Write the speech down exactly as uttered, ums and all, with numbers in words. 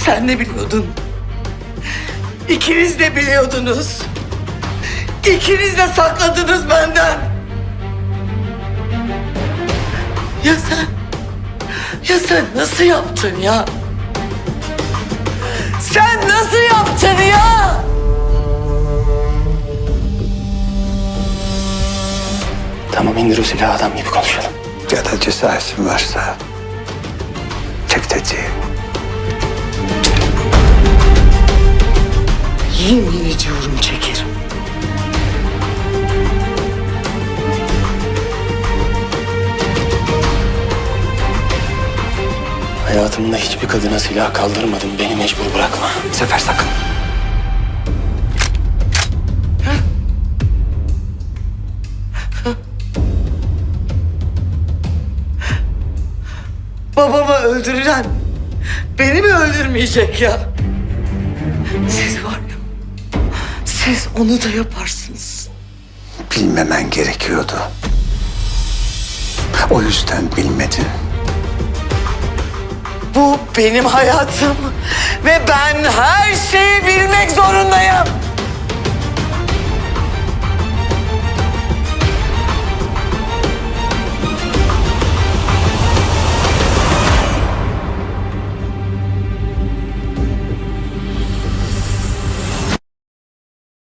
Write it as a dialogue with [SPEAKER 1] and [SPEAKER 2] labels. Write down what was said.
[SPEAKER 1] Sen de biliyordun. İkiniz de biliyordunuz. İkiniz de sakladınız benden. Ya sen, ya sen nasıl yaptın ya? Sen nasıl yaptın ya?
[SPEAKER 2] Tamam, indir o silahı, adam gibi konuşalım.
[SPEAKER 3] Ya da cesaretin varsa çek tetiği.
[SPEAKER 1] Yemin ediyorum çekerim.
[SPEAKER 2] Hayatımda hiçbir kadına silah kaldırmadım. Beni mecbur bırakma.
[SPEAKER 3] Sefer sakın.
[SPEAKER 1] Babamı öldüren beni mi öldürmeyecek ya? Siz var ya, siz onu da yaparsınız.
[SPEAKER 3] Bilmemen gerekiyordu. O yüzden bilmedin.
[SPEAKER 1] Bu benim hayatım ve ben her